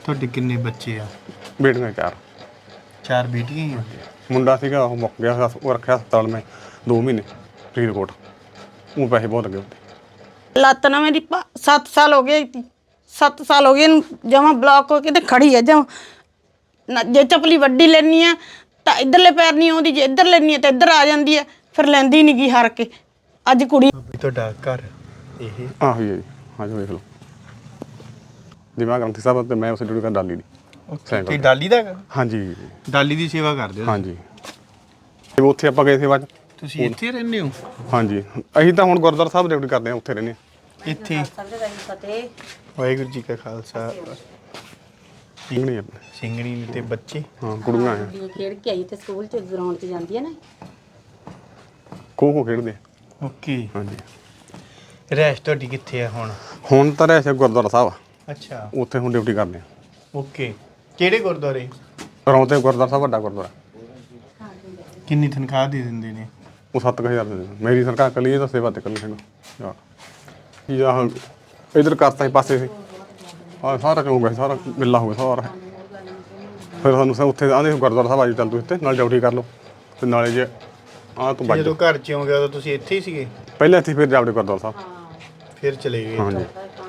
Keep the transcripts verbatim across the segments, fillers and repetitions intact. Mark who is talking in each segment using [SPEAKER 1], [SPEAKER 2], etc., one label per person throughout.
[SPEAKER 1] ਤੁਹਾਡੇ ਕਿੰਨੇ ਬੱਚੇ ਆ?
[SPEAKER 2] ਬੇਟੀਆਂ ਚਾਰ।
[SPEAKER 1] ਚਾਰ ਬੇਟੀਆਂ ਹੀ ਆ?
[SPEAKER 2] ਮੁੰਡਾ ਸੀਗਾ ਉਹ ਮੁੱਕ ਗਿਆ, ਉਹ ਰੱਖਿਆ ਹਸਪਤਾਲ ਮੈਂ ਦੋ ਮਹੀਨੇ ਫਰੀਦਕੋਟ। ਉਹ ਪੈਸੇ ਬਹੁਤ ਲੱਗੇ ਉੱਤੇ।
[SPEAKER 3] ਲੱਤ ਨਾ ਮੇਰੀ ਸੱਤ ਸਾਲ ਹੋ ਗਏ, ਸੱਤ ਸਾਲ ਹੋ ਗਏ ਇਹਨੂੰ ਜਮਾਂ ਬਲੌਕ ਹੋ ਕੇ ਤੇ ਖੜੀ ਹੈ ਜਮਾਂ। ਜੇ ਚੱਪਲੀ ਵੱਡੀ ਲੈਣੀ ਆ ਤਾਂ ਇੱਧਰਲੇ ਪੈਰ ਨਹੀਂ ਆਉਂਦੀ, ਜੇ ਇੱਧਰ ਲੈਣੀ ਆ ਤਾਂ ਇੱਧਰ ਆ ਜਾਂਦੀ ਹੈ, ਫਿਰ ਲੈਂਦੀ ਨਹੀਂ ਗੀ ਹਾਰ ਕੇ। ਅੱਜ ਕੁੜੀ
[SPEAKER 1] ਤੁਹਾਡਾ ਘਰ ਇਹ?
[SPEAKER 2] ਆਹੋ ਜੀ, ਹਾਂਜੀ ਵੇਖ ਲਓ ਜੀ। ਮੈਂ ਗ੍ਰੰਥੀ ਸਾਹਿਬ ਤੇ ਮੈਂ ਉਸ ਡਿਊਟੀ ਕਰ ਡਾਲੀ ਦੀ।
[SPEAKER 1] ਤੇ ਡਾਲੀ ਦਾ?
[SPEAKER 2] ਹਾਂਜੀ,
[SPEAKER 1] ਡਾਲੀ ਦੀ ਸੇਵਾ ਕਰਦੇ ਹੋ?
[SPEAKER 2] ਹਾਂਜੀ। ਤੇ ਉੱਥੇ ਆਪਾਂ ਗਏ ਸੇਵਾ 'ਚ।
[SPEAKER 1] ਤੁਸੀਂ ਇੱਥੇ ਰਹਿੰਦੇ ਹੋ?
[SPEAKER 2] ਹਾਂਜੀ, ਅਸੀਂ ਤਾਂ ਹੁਣ ਗੁਰਦੁਆਰਾ ਸਾਹਿਬ ਡਿਊਟੀ ਕਰਦੇ ਹਾਂ, ਉੱਥੇ ਰਹਿੰਦੇ ਹਾਂ
[SPEAKER 1] ਇੱਥੇ। ਵਾਹਿਗੁਰੂ ਜੀ ਕਾ ਖਾਲਸਾ।
[SPEAKER 2] ਸਿੰਘਣੀ
[SPEAKER 1] ਸਿੰਘਣੀ ਨੇ ਤੇ ਬੱਚੇ?
[SPEAKER 2] ਹਾਂ, ਕੁੜੀਆਂ ਆ।
[SPEAKER 4] ਖੇਡ ਕੇ ਆਈ ਤੇ ਸਕੂਲ 'ਚ ਗਰਾਊਂਡ 'ਚ ਜਾਂਦੀ ਹੈ ਨਾ।
[SPEAKER 2] ਖੋ ਖੋ ਖੇਡਦੇ।
[SPEAKER 1] ਓਕੇ।
[SPEAKER 2] ਹਾਂਜੀ।
[SPEAKER 1] ਰਹਿਸ਼ ਤੁਹਾਡੀ ਕਿੱਥੇ ਆ ਹੁਣ?
[SPEAKER 2] ਹੁਣ ਤਾਂ ਰਹਿਸ਼ ਗੁਰਦੁਆਰਾ ਸਾਹਿਬ।
[SPEAKER 1] ਅੱਛਾ,
[SPEAKER 2] ਉੱਥੇ ਹੁਣ ਡਿਊਟੀ ਕਰਦੇ ਹਾਂ।
[SPEAKER 1] ਓਕੇ। ਕਿਹੜੇ ਗੁਰਦੁਆਰੇ?
[SPEAKER 2] ਰੌਂਤੇ ਗੁਰਦੁਆਰਾ ਸਾਹਿਬ, ਵੱਡਾ ਗੁਰਦੁਆਰਾ।
[SPEAKER 1] ਕਿੰਨੀ ਤਨਖਾਹ ਦੇ ਦਿੰਦੇ ਨੇ?
[SPEAKER 2] ਉਹ ਸੱਤ ਕੁ ਹਜ਼ਾਰ ਦੇ ਦਿੰਦੇ। ਮੇਰੀ ਸਰਕਾਰ ਕੱਲੀ ਇਹ ਤਾਂ ਸੇਵਾ ਤੇ ਕੱਲੀ ਹੈਗਾ। ਕੀ ਆਹ ਇੱਧਰ ਕਰਤਾ ਸੀ ਪਾਸੇ ਸੀ, ਆਹ ਸਾਰਾ ਹੋ ਗਿਆ, ਸਾਰਾ ਗਿੱਲਾ ਹੋ ਗਿਆ ਸਾਰਾ। ਫਿਰ ਸਾਨੂੰ ਉੱਥੇ ਆਂਦੇ ਗੁਰਦੁਆਰਾ ਸਾਹਿਬ ਆ ਜੀ, ਚੱਲ ਤੂੰ ਇੱਥੇ ਨਾਲ ਡਿਊਟੀ ਕਰ ਲਓ ਤੇ ਨਾਲੇ ਜੇ ਆਹ ਤੂੰ ਬੱਜ।
[SPEAKER 1] ਜਦੋਂ ਘਰ 'ਚ ਆਉਂਗੇ ਉਦੋਂ ਤੁਸੀਂ ਇੱਥੇ ਹੀ ਸੀਗੇ?
[SPEAKER 2] ਪਹਿਲਾਂ ਇੱਥੇ, ਫਿਰ ਜਾਵੜੇ ਗੁਰਦੁਆਰਾ ਸਾਹਿਬ,
[SPEAKER 1] ਫਿਰ ਚਲੇ ਗਏ?
[SPEAKER 2] ਹਾਂਜੀ।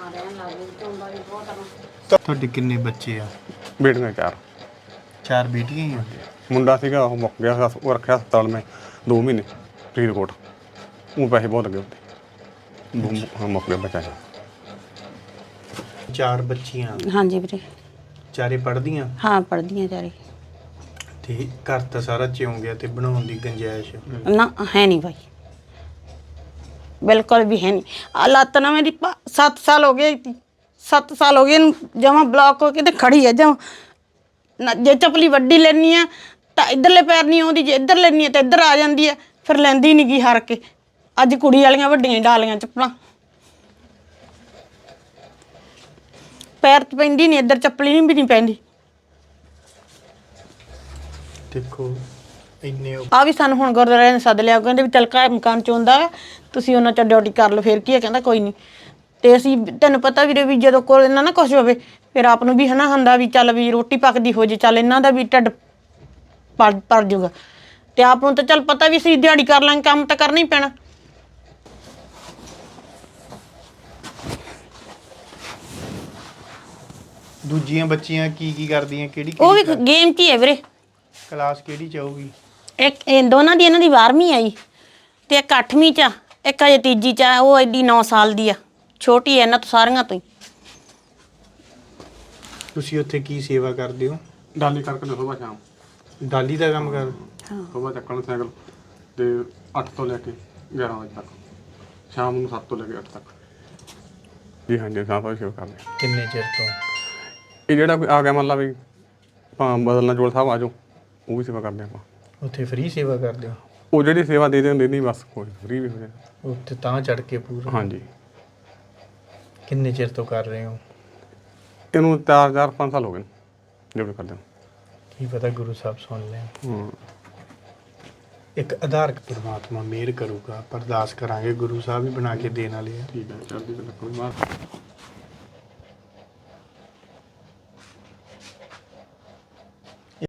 [SPEAKER 1] ਤੁਹਾਡੇ ਕਿੰਨੇ ਬੱਚੇ ਆ?
[SPEAKER 2] ਬੇਟੀਆਂ ਚਾਰ।
[SPEAKER 1] ਚਾਰ ਬੇਟੀਆਂ ਹੀ ਆ?
[SPEAKER 2] ਮੁੰਡਾ ਸੀਗਾ ਉਹ ਮੁੱਕ ਗਿਆ, ਉਹ ਰੱਖਿਆ ਹਸਪਤਾਲ ਮੈਂ ਦੋ ਮਹੀਨੇ ਫਰੀਦਕੋਟ। ਉਹ ਪੈਸੇ ਬਹੁਤ ਲੱਗੇ ਉੱਤੇ। ਹਾਂ, ਮੁੱਕ ਗਿਆ ਬੱਚਾ।
[SPEAKER 1] ਚਾਰ ਬੱਚੀਆਂ?
[SPEAKER 3] ਹਾਂਜੀ ਵੀਰੇ।
[SPEAKER 1] ਚਾਰੇ ਪੜ੍ਹਦੀਆਂ?
[SPEAKER 3] ਹਾਂ, ਪੜ੍ਹਦੀਆਂ ਚਾਰੇ।
[SPEAKER 1] ਤੇ ਘਰ ਤਾਂ ਸਾਰਾ ਚਿਉਂ ਗਿਆ ਤੇ ਬਣਾਉਣ ਦੀ ਗੁੰਜਾਇਸ਼?
[SPEAKER 3] ਨਾ ਹੈ ਨਹੀਂ ਭਾਈ, ਬਿਲਕੁਲ ਵੀ ਹੈ ਨਹੀਂ। ਆ ਲੱਤ ਨਾ ਮੇਰੀ ਸੱਤ ਸਾਲ ਹੋ ਗਏ, ਸੱਤ ਸਾਲ ਹੋ ਗਏ ਇਹਨੂੰ ਜਮਾਂ ਬਲੌਕ ਹੋ ਕੇ ਤੇ ਖੜੀ ਹੈ ਜਮਾਂ। ਜੇ ਚੱਪਲੀ ਵੱਡੀ ਲੈਣੀ ਆ ਤਾਂ ਇੱਧਰਲੇ ਪੈਰ ਨਹੀਂ ਆਉਂਦੀ, ਜੇ ਇੱਧਰ ਲੈਣੀ ਆ ਤਾਂ ਇੱਧਰ ਆ ਜਾਂਦੀ ਹੈ, ਫਿਰ ਲੈਂਦੀ ਨਹੀਂ ਗੀ ਹਾਰ ਕੇ। ਅੱਜ ਕੁੜੀ ਵਾਲੀਆਂ ਵੱਡੀਆਂ ਡਾਲੀਆਂ ਚੱਪਲਾਂ, ਪੈਰ 'ਚ ਪੈਂਦੀ ਨਹੀਂ, ਇੱਧਰ ਚੱਪਲੀ ਨਹੀਂ ਵੀ ਨਹੀਂ ਪੈਂਦੀ।
[SPEAKER 1] ਦੇਖੋ ਇੰਨੇ
[SPEAKER 3] ਆ ਵੀ ਸਾਨੂੰ ਹੁਣ ਗੁਰਦੁਆਰੇ ਨੇ ਸੱਦ ਲਿਆ, ਕਹਿੰਦੇ ਵੀ ਚੱਲ ਘਰ ਮਕਾਨ 'ਚ ਹੁੰਦਾ ਤੁਸੀਂ ਉਹਨਾਂ 'ਚ ਡਿਊਟੀ ਕਰ ਲਓ, ਫਿਰ ਕੀ ਹੈ। ਕਹਿੰਦਾ ਕੋਈ ਨਹੀਂ। ਤੇ ਅਸੀਂ ਤੈਨੂੰ ਪਤਾ ਵੀਰੇ ਵੀ ਜਦੋਂ ਕੋਲ ਇਹਨਾਂ ਨਾ ਕੁਛ ਹੋਵੇ ਫਿਰ ਆਪ ਨੂੰ ਵੀ ਹੈ ਨਾ ਹੁੰਦਾ ਵੀ ਚੱਲ ਵੀ ਰੋਟੀ ਪੱਕਦੀ ਹੋ ਜੇ, ਚੱਲ ਇਹਨਾਂ ਦਾ ਵੀ ਢਿੱਡ ਭਰ ਭਰ ਜੂਗਾ। ਤੇ ਆਪ ਨੂੰ ਤਾਂ ਚੱਲ ਪਤਾ ਵੀ ਅਸੀਂ ਦਿਹਾੜੀ ਕਰ ਲਾਂਗੇ, ਕੰਮ ਤਾਂ ਕਰਨਾ ਹੀ ਪੈਣਾ।
[SPEAKER 1] ਦੂਜੀਆਂ ਬੱਚੀਆਂ ਕੀ ਕੀ ਕਰਦੀਆਂ? ਕਿਹੜੀ
[SPEAKER 3] ਉਹ ਵੀ ਗੇਮ 'ਚ ਹੀ ਹੈ ਵੀਰੇ।
[SPEAKER 1] ਕਲਾਸ ਕਿਹੜੀ ਚ ਆਊਗੀ?
[SPEAKER 3] ਇੱਕ ਇਹ ਦੋਨਾਂ ਦੀ, ਇਹਨਾਂ ਦੀ ਬਾਰਵੀਂ ਆਈ ਤੇ ਇੱਕ ਅੱਠਵੀਂ 'ਚ ਆ, ਇੱਕ ਅਜੇ ਤੀਜੀ 'ਚ ਆ। ਉਹ ਐਡੀ ਨੌ ਸਾਲ ਦੀ ਆ, ਛੋਟੀ ਹੈ ਇਹਨਾਂ ਤੋਂ ਸਾਰੀਆਂ ਤੋਂ ਹੀ।
[SPEAKER 1] ਤੁਸੀਂ ਉੱਥੇ ਕੀ ਸੇਵਾ ਕਰਦੇ ਹੋ?
[SPEAKER 2] ਡਾਲੀ ਕਰਕੇ ਸੁਬਾਹ ਸ਼ਾਮ।
[SPEAKER 1] ਡਾਲੀ ਦਾ ਕੰਮ ਕਰ?
[SPEAKER 2] ਸੁਬਾਹ ਚੱਕਣ ਸਾਈਕਲ ਤੇ ਅੱਠ ਤੋਂ ਲੈ ਕੇ ਗਿਆਰਾਂ ਵਜੇ ਤੱਕ, ਸ਼ਾਮ ਨੂੰ ਸੱਤ ਤੋਂ ਲੈ ਕੇ ਅੱਠ ਤੱਕ। ਜੀ ਹਾਂਜੀ, ਸਾਫਾ ਸੇਵਾ ਕਰਦੇ।
[SPEAKER 1] ਕਿੰਨੇ ਚਿਰ ਤੋਂ?
[SPEAKER 2] ਇਹ ਜਿਹੜਾ ਕੋਈ ਆ ਗਿਆ ਮੰਨ ਲਾ ਵੀ ਭਾਂ ਬਦਲਣਾ ਜੋੜ ਸਾਹਿਬ ਆ ਜਾਓ, ਉਹ ਵੀ ਸੇਵਾ ਕਰਦੇ ਆਪਾਂ।
[SPEAKER 1] ਉੱਥੇ ਫ੍ਰੀ ਸੇਵਾ ਕਰਦੇ ਹੋ?
[SPEAKER 2] ਉਹ ਜਿਹੜੀ ਸੇਵਾ ਦੇ ਦਿੰਦੇ ਨਹੀਂ ਬਸ, ਕੋਈ ਫ੍ਰੀ ਵੀ ਹੋ ਜਾਏ
[SPEAKER 1] ਉੱਥੇ ਤਾਂ ਚੜ ਕੇ ਪੂਰਾ?
[SPEAKER 2] ਹਾਂਜੀ।
[SPEAKER 1] ਕਿੰਨੇ ਚਿਰ ਤੋਂ ਕਰ ਰਹੇ ਹੋ?
[SPEAKER 2] ਇਹਨੂੰ ਚਾਰ ਚਾਰ ਪੰਜ ਸਾਲ ਹੋ ਗਏ ਡਿਊਟੀ ਕਰਦੇ ਨੂੰ।
[SPEAKER 1] ਕੀ ਪਤਾ ਗੁਰੂ ਸਾਹਿਬ ਸੁਣ ਲੈਣ।
[SPEAKER 2] ਹਾਂ,
[SPEAKER 1] ਇੱਕ ਆਧਾਰ ਪਰਮਾਤਮਾ ਮਿਹਰ ਕਰੂਗਾ, ਅਰਦਾਸ ਕਰਾਂਗੇ, ਗੁਰੂ ਸਾਹਿਬ ਵੀ ਬਣਾ ਕੇ ਦੇਣ ਵਾਲੇ ਆ।
[SPEAKER 2] ਠੀਕ ਹੈ, ਚੜ੍ਹਦੀ ਕਲਾ ਕੋਈ ਮਾਰ।